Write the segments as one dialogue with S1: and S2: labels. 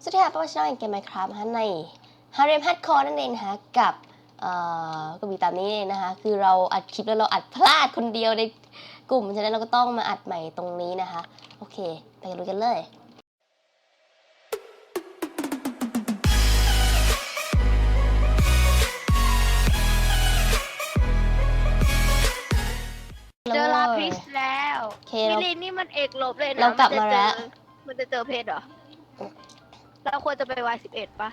S1: สวัสดีค่ะป้าช่องเกมไมค์ครับในฮาเร็มฮัดคอร์นั่นเองนะคะกับก็มีตามนี้นะคะคือเราอัดคลิปแล้วเราอัดพลาดคนเดียวในกลุ่มฉะนั้นเราก็ต้องมาอัดใหม่ตรงนี้นะคะโอเคไปกันดูกันเลย
S2: เจอลาพิสแล้วมิลินนี่มันเอกลบเลยนะ
S1: เรากลับมาแล้ว
S2: มันจะเจอเพชรเหรอเราควรจะไปY11ปะ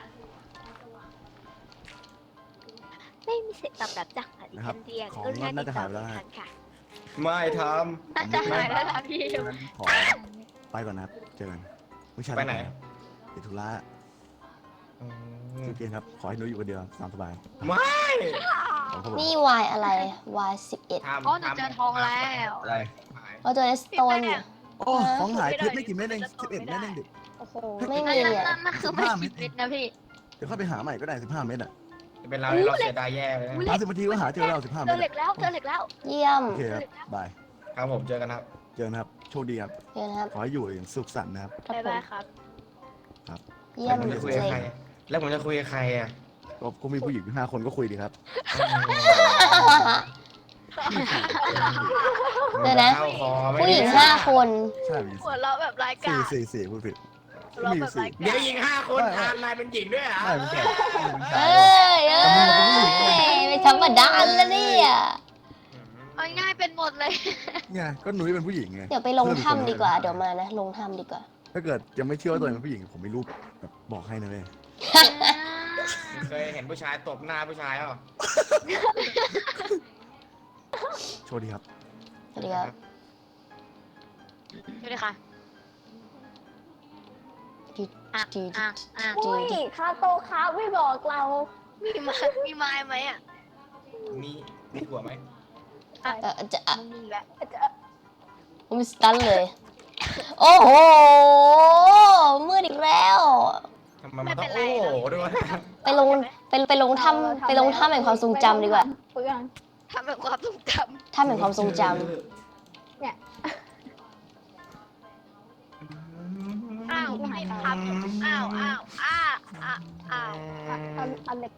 S2: ไม่มีเสียงตอบรับจากอดีตเดียนก็น่าจะหายแล้วค่ะ
S3: ไม่ท
S2: น่าจะหายแล้วล่ะพี่
S4: ขอไปก่อนนะครับเจอกันผู้ชาย
S3: ำไปไหน
S4: ติดธุระเกมครับขอให้หนูอยู่คนเดียวตามสบาย
S3: ไม่
S1: นี่ Y อะไร Y 11
S3: ทำ
S2: อ๋อหนูเจอทองแล้ว
S3: อะไร
S1: เราเจอสโตน
S4: โอ้ของหายเพชรไม่กี่เม็ดเอง11 เม็ดเองดิ
S2: โอ้โห
S1: ไม่มีอ่ะ
S2: นั่นคือไม่คิดเพชรนะพี่
S4: เดี๋ยวเข้าไปหาใหม่ก็ได้15 เม็ดอ่ะ
S3: เป็นเราที่เราเสียดายแย่เลยนะ
S4: 30 นาทีก็หาเจอแล้ว15
S2: เจ
S4: เม็
S2: อ
S4: ด
S2: เหล็กแล้วเจอเหล็กแล้ว
S1: เยี่ยม
S4: โอเคครับบาย
S3: ครับผมเจอกันครับ
S4: เจอกันครับโชคดีครับ
S1: เยี่ยมนะครับ
S4: ขอให้อยู่อย่างสุขสันต์นะครับ
S1: ครับ
S2: บ๊าย
S1: ผม
S2: บายครับ
S1: เยี่ยม
S3: ผมจะคุย
S1: เล
S3: กับ
S1: ย
S3: ใครแล้วผมจะคุยกับใครอ่ะ
S4: ก็มีผู้หญิง5 คนก็คุยดีครับ
S1: เดี๋ยวนะ
S3: เข้าคอไม่
S1: ผู้หญิง
S3: ได้
S1: 5 คน
S4: ใช่
S2: หัวเราะแบบรายการ
S4: 4พูดผิด
S2: หัวเราะ
S4: มี
S2: แบบราย
S3: เดี๋ยว
S2: การ
S3: หญิง5 คนทานนายเป็นหญิงด้วยเหรอ
S4: ใช่เป็นชาย
S1: เอ้ยไม่ธรรมดาแล้วเนี่ย
S2: เอาง่ายเป็นหมดเลย
S4: เนี่ยก็หนุ่ยเป็นผู้หญิงไง
S1: เดี๋ยวไปลงถ้ำดีกว่า เดี๋ยวมานะ ลงถ้ำดีกว่า
S4: ถ้าเกิดยังไม่เชื่อว่าตัวเองเป็นผู้หญิงผมมีรูปแบบบอกให้นะเว้ย
S3: เคยเห็นผู้ชายตบหน้าผู้ชายเหรอ
S4: โชคดีครับ
S1: สวัสดีครับ
S2: ดูดิค่ะ
S1: จีจี
S5: อุ้ยคาโตครับไม่บอกเรา
S2: มีไม้ไหมอ่ะ
S3: มีถั่วไหม
S1: จะ
S2: มันมีแล้ว
S1: ผมสตันเลย โอ้โห มืดอีกแล้ว
S3: ทำไมมันต้องโอ้โหด้วย
S1: ไปลงไปลงถ้ำไปลงถ้ำแห่งความทรงจำดีกว่า
S5: เปลือง
S2: ทำแบบความทรงจ
S1: ถ้ำแห่งความทรงจ
S2: ำอ้าวไม่ทำอ้าว
S5: เอาเหล็กไป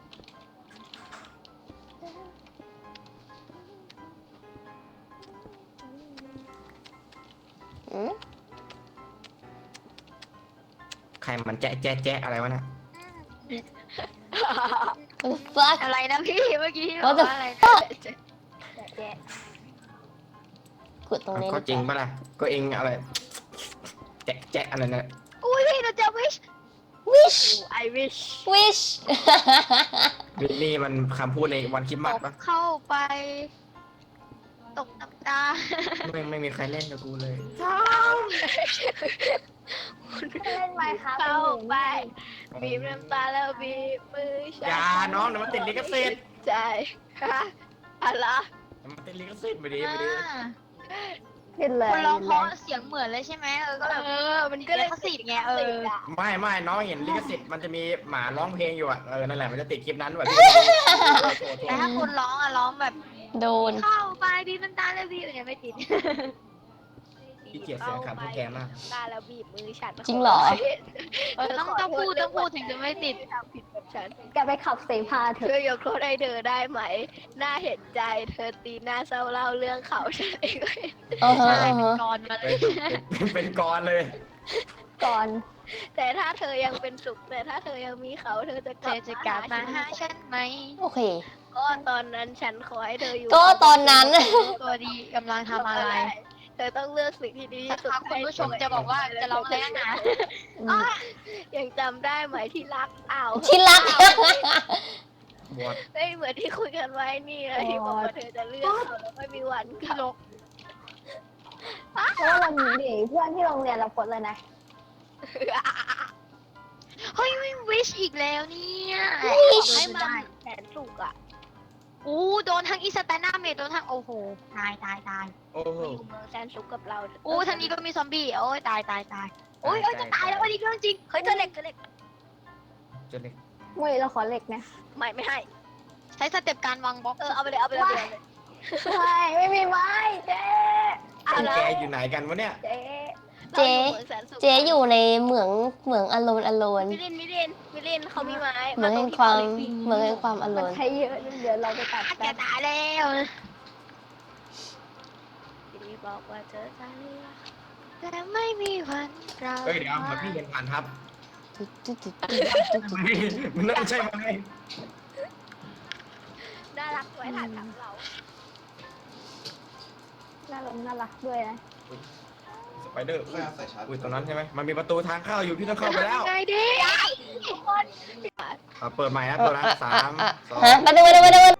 S1: ำอืม
S3: ใครมันแจ๊ะแจ๊ะแจ๊ะอะไรวะเนี่ย
S1: fuck
S2: อะไรนะพี่เมื่อกี้
S1: What the
S2: อะไร
S1: fuck
S5: แกะ
S1: กดตรงนี้
S3: ก็จริงปะล่ะก็เองอะไรแจ๊ะแจ๊ะอะไรเนี่ย
S2: อุ้ยพี่เราจะวิช
S1: wish
S2: I wish
S1: wish
S3: นี่มันคำพูดในวันคริสต์มาสปะ
S2: เข้าไป ตกน้ำตา
S3: ไม่มีใครเล่นกับกูเลย
S5: เล่นไหมครับ
S2: เข้าไป บีบน้ำตาแล้วบีบมือฉัน
S3: อย่าน้องเดี๋ยวมันติดลิขสิทธิ์
S2: ใจฮะอะไร
S3: เดี๋ยวมันติดลิขสิทธิ์ไปดิไปดิ
S5: ขึ้นเลย
S2: คนร้องเพราะเสียงเหมือนเลยใช่ไหมก็แบบมันก็เลยสิทธิ์ไง
S3: ไม่น้องเห็นลิขสิทธิ์มันจะมีหมาร้องเพลงอยู่อ่ะนั่นแหละมันจะติดคลิปนั้นแบบ
S2: แต่ถ้าคนร้องอะร้องแบบ
S1: โดน
S2: เข้าไปบีบน้ำตาแล้วบีบเนี่ยไม่ติด
S3: ที่เกียดเสียงคำพูดแกมาก
S2: น้ำตาแล้วบีบมือฉัน
S1: จริงเหรอ
S2: ต้องพูดถึงจะไม่ติดทำผิดแบบฉัน
S5: แกไปขับเสพาเถ
S2: ช่ว
S5: อะ
S2: ยยกโทษให้เธอได้ไหม น่าเห็นใจเธอตีหน้าเศร้าเล่าเรื่องเขาฉันเอง
S1: เออฮะ
S2: อะไร
S1: เออ
S2: เป็น
S1: ฮะ
S2: กรมาเลย
S3: เป็นกรเลย
S5: ก่อน
S2: แต่ถ้าเธอยังเป็นสุขแต่ถ้าเธอยังมีเขาเธอจะกลับมาหาฉันไหม
S1: โอเค
S2: ก็ตอนนั้นฉันขอให้เธออยู่
S1: ก็ตอนนั้น
S2: ตัวดีกำลังทำอะไร เธอต้องเลือกสิ่งที่ดีที่สุดคุณผู้ชมจะบอกว่าจะร้องอะไรนะยังจำได้ไหมที่รักอ้าว
S1: ที่รัก
S3: บวช
S2: ไม่เหมือนที่คุยกันไว้นี่เลยที่บอกว่าเธอจะเลือกเขาแล้วไม่มีวันพี่ลก
S5: เพราะว่าวันนี้ดิเพื่อนที่โรงเรียนเราโพสเลยนะ
S2: เฮ้ยไม่วิชอีกแล้วเนี่ยให้มันแสนสุกอ่ะอู้โดนทั้งอีสแตนนาเมดโดนทั้งโอ้โหตาย
S3: โอ้โห
S2: อยู่เมืองแสนสุกกับเราอู้ทางนี้ก็มีซอมบี้โอ้ยตายโอ้ยจะตายแล้ววันนี้เรื่องจริงเฮ้ยเจอเหล็ก
S3: จนเล็ก
S5: มุ้ยเราขอเหล็กนะ
S2: ไม่ให้ ใช้สเต็ปการวางบล็อกเอาไปเลย
S5: ใช่ไม่มีไม้เจ๊
S3: แกอยู่ไหนกันวะเนี่ย
S5: เจ๊
S1: เจ๊
S2: หมืองแสนสุข
S1: เจ๊อยู่ในเหมืองอโลน
S2: มิลินเขามีไม้
S1: เหมืองแห่งความเหมืองแห่งความอโล
S5: มัน
S1: น
S5: ใช้เยอะเดี๋ยวเราไปตัด
S2: แก
S5: กัน
S2: ตายแล้วพี่บอกว่าเจอใจแต่ไม่มีวันเรา
S3: เฮ้ยเดี๋ยวเหมือนพี่เห็นผ่านทับ
S1: ๆ
S3: มันน่าใช่ไหม
S2: น่ารักไว้ถ่ายทำเรา
S5: น่ารักด้วยนะ
S3: สไปเดอร์อุ้ยตรงนั้นใช่ไหมมันมีประตูทางเข้าอยู่พี่ต้องเข้าไปแล้ว
S2: ไงดิทุกคน
S3: เปิดใหม่นะตัวนะ3 2
S1: ฮะมาดู